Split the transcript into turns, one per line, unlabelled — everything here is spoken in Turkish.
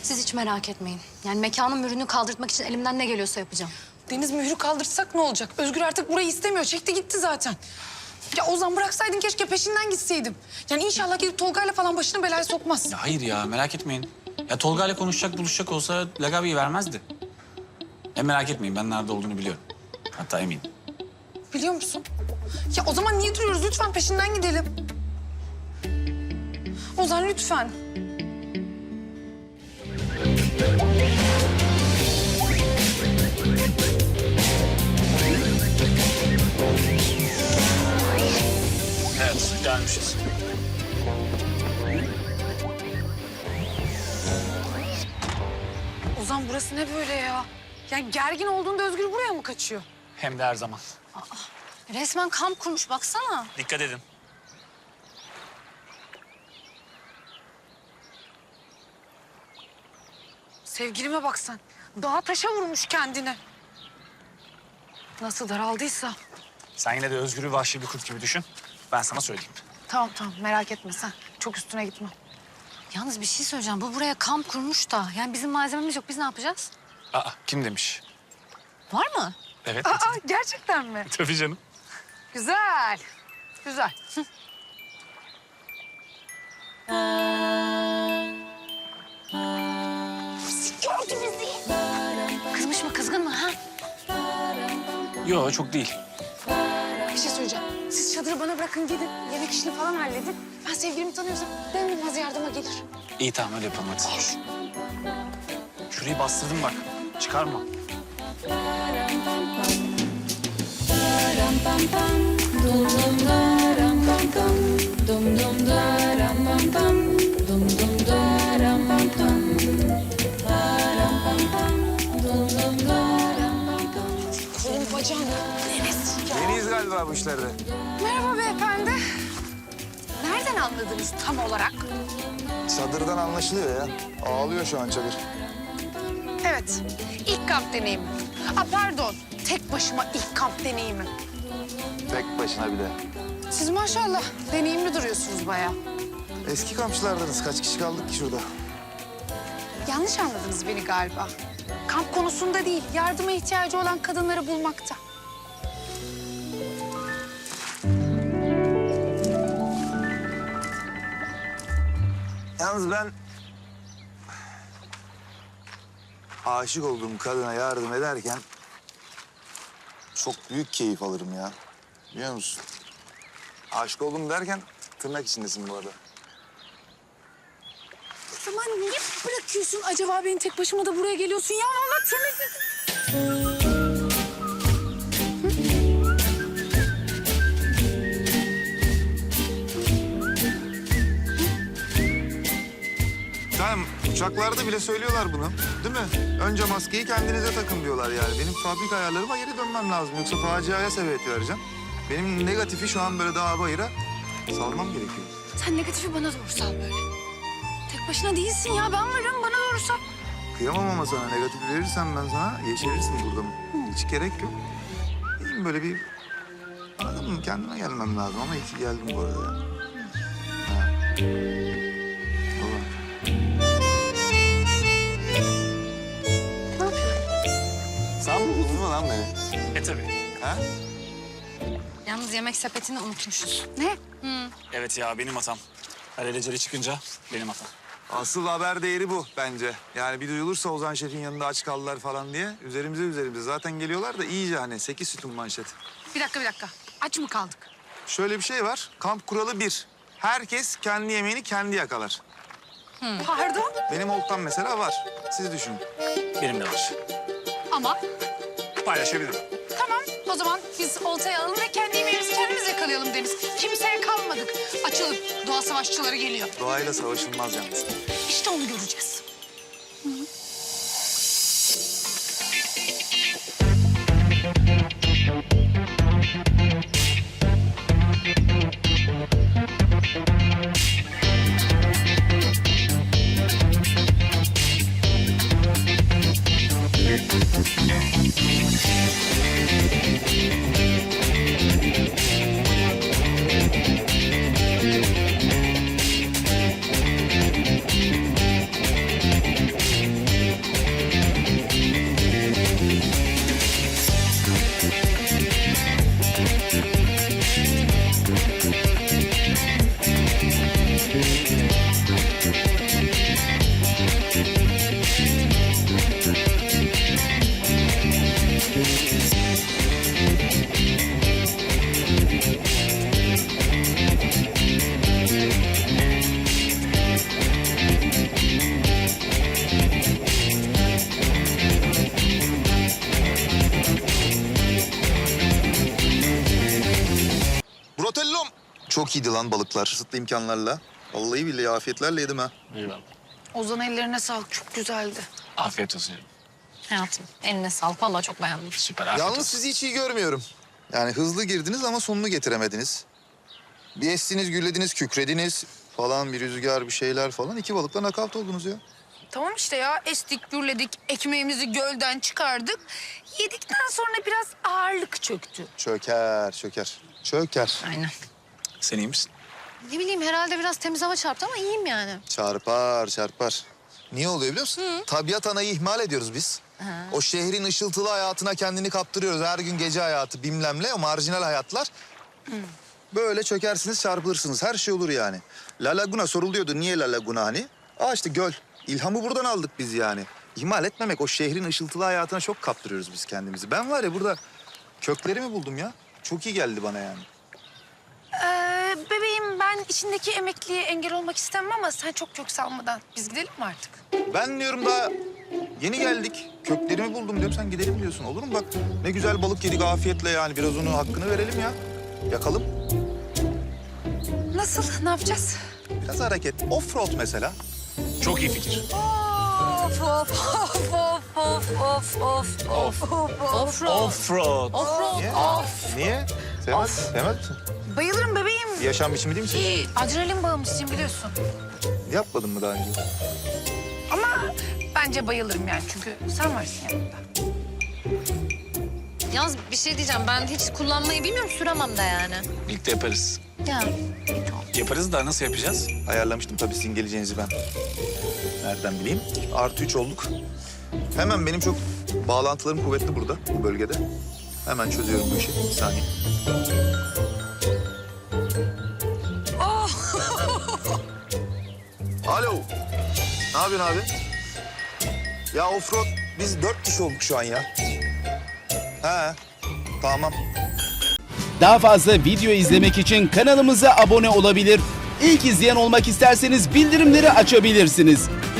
Siz hiç merak etmeyin. Yani mekanın mührünü kaldırtmak için elimden ne geliyorsa yapacağım.
Deniz, mührü kaldırsak ne olacak? Özgür artık burayı istemiyor. Çekti gitti zaten. Ya Ozan, bıraksaydın keşke, peşinden gitseydim. Yani inşallah gidip Tolga'yla falan başını belaya sokmaz.
Ya hayır ya, merak etmeyin. Ya Tolga ile konuşacak, buluşacak olsa Lagabi'yi vermezdi. Merak etmeyin, ben nerede olduğunu biliyorum. Hatta eminim.
Biliyor musun? Ya o zaman niye duruyoruz? Lütfen peşinden gidelim. Ozan lütfen.
Evet, gelmişiz.
Ozan, burası ne böyle ya? Yani gergin olduğunda Özgür buraya mı kaçıyor?
Hem de her zaman.
Resmen kamp kurmuş baksana.
Dikkat edin.
Sevgilime bak sen. Dağa taşa vurmuş kendini. Nasıl daraldıysa.
Sen yine de Özgür'ü vahşi bir kurt gibi düşün. Ben sana söyleyeyim.
Tamam merak etme sen. Çok üstüne gitme.
Yalnız bir şey söyleyeceğim. Bu buraya kamp kurmuş da. Yani bizim malzememiz yok. Biz ne yapacağız?
Aa, kim demiş?
Var mı?
Evet.
Aa, gerçekten mi?
Tabii canım.
Güzel. Güzel.
Gördü bizi. Kızmış mı, kızgın mı ha?
Yok, çok değil.
Bir şey söyleyeceğim. Siz çadırı bana bırakın, gidin. Yemek işini falan halledin. Ben sevgilimi tanıyorsam ben bilmez yardıma gelir.
İyi, tamam, öyle yapalım hadi. Şurayı bastırdım bak. Çıkarma.
Kolum bacağım.
Yeniyiz galiba bu işlerde.
Merhaba beyefendi. Nereden anladınız tam olarak?
Çadırdan anlaşılıyor ya. Ağlıyor şu an çadır.
Evet, ilk kamp deneyimi. Pardon, tek başıma ilk kamp deneyimi.
Tek başına bir de.
Siz maşallah deneyimli duruyorsunuz bayağı.
Eski kampçılardınız. Kaç kişi kaldık ki şurada?
Yanlış anladınız beni galiba. Kamp konusunda değil, yardıma ihtiyacı olan kadınları bulmakta.
Yalnız ben... aşık olduğum kadına yardım ederken... çok büyük keyif alırım ya. Biliyor musun? Aşık oldum derken tırnak içindesin bu arada.
O zaman niye bırakıyorsun acaba beni tek başıma da buraya geliyorsun ya? Vallahi tırnak...
Tamam, uçaklarda bile söylüyorlar bunu. Değil mi? Önce maskeyi kendinize takın diyorlar yani. Benim fabrika ayarlarıma geri dönmem lazım. Yoksa faciaya sebebiyet vereceğim. Benim negatifi şu an böyle dağa bayıra salmam gerekiyor.
Sen negatifi bana doğru sal böyle. Tek başına değilsin ya, ben varım, bana doğru sal.
Kıyamam ama sana. Negatif verirsen ben sana yeşerirsin burada. Hiç gerek yok. İyiyim böyle bir... Anladın mı? Kendime gelmem lazım ama iyi ki geldim bu arada. Ha. Baba.
Ne yapıyorsun?
Sen buldun mu lan beni?
Tabii.
Ha?
Yalnız yemek sepetini unutmuşuz.
Ne?
Evet ya, benim hatam. Alelacele çıkınca benim hatam.
Asıl haber değeri bu bence. Yani bir duyulursa Ozan Şef'in yanında aç kaldılar falan diye üzerimize. Zaten geliyorlar da iyice hani 8 sütun manşet.
Bir dakika. Aç mı kaldık?
Şöyle bir şey var. Kamp kuralı 1. Herkes kendi yemeğini kendi yakalar.
Pardon?
Benim oltam mesela var. Siz düşünün.
Benim de var.
Ama
Paylaşabilirim.
tamam, o zaman biz oltayı alalım ve kendi yemeğimizi kendimiz yakalayalım Deniz. Kimseye kalmadık. Açılın, doğa savaşçıları geliyor.
Doğayla savaşılmaz yalnız.
İşte onu göreceğiz.
Çok iyiydi lan balıklar, kısıtlı imkanlarla. Vallahi billahi afiyetlerle yedim ha.
Eyvallah.
Ozan ellerine sağlık. Çok güzeldi.
Afiyet olsun.
Hayatım eline sağlık. Vallahi çok beğendim.
Süper afiyet
Yalnız
olsun.
sizi hiç iyi görmüyorum. Yani hızlı girdiniz ama sonunu getiremediniz. Bir estiniz, gürlediniz, kükrediniz falan, bir rüzgar, bir şeyler falan. 2 balıkla nakavt oldunuz ya.
Tamam işte ya. Estik, gürledik. Ekmeğimizi gölden çıkardık. Yedikten sonra biraz ağırlık çöktü.
Çöker, çöker. Çöker.
Aynen.
Sen iyi misin?
Ne bileyim herhalde biraz temiz hava çarptı ama iyiyim yani.
Çarpar, çarpar. Niye oluyor biliyor musun? Tabiat anayı ihmal ediyoruz biz. O şehrin ışıltılı hayatına kendini kaptırıyoruz. Her gün gece hayatı bilmemle, o marjinal hayatlar. Böyle çökersiniz, çarpılırsınız. Her şey olur yani. La Laguna soruluyordu. Niye La Laguna hani? İşte göl. İlhamı buradan aldık biz yani. İhmal etmemek, o şehrin ışıltılı hayatına çok kaptırıyoruz biz kendimizi. Ben var ya burada köklerimi buldum ya. Çok iyi geldi bana yani.
Bebeğim ben içindeki emekliye engel olmak istemem ama sen çok kök salmadan biz gidelim mi artık?
Ben diyorum daha yeni geldik. Köklerimi buldum diyorum, sen gidelim diyorsun. Olur mu? Bak ne güzel balık yedik afiyetle yani. Biraz onun hakkını verelim ya. Yakalım.
Nasıl? Ne yapacağız?
Biraz hareket. Offroad mesela.
Çok iyi fikir.
Of of of of of of of of. Offroad.
Offroad.
Offroad.
Niye? Niye? Sevmez misin?
Bayılırım bebeğim.
Bir yaşam biçimi değil misin?
Adrenalin bağımlısıyım biliyorsun.
Yapmadın mı daha önce?
Ama bence bayılırım yani çünkü sen varsın yanımda.
Yalnız bir şey diyeceğim. Ben hiç kullanmayı bilmiyorum. Süremem de yani.
Birlikte yaparız.
Ya.
Yaparız da nasıl yapacağız?
Ayarlamıştım tabii sizin geleceğinizi ben. Nereden bileyim? +3 olduk. Hemen benim çok bağlantılarım kuvvetli burada, bu bölgede. Hemen çözüyorum bu işi. Bir saniye. Alo. Ne yapıyorsun abi? Ya offroad biz 4 kişi olduk şu an ya. He. Tamam.
Daha fazla video izlemek için kanalımıza abone olabilir. İlk izleyen olmak isterseniz bildirimleri açabilirsiniz.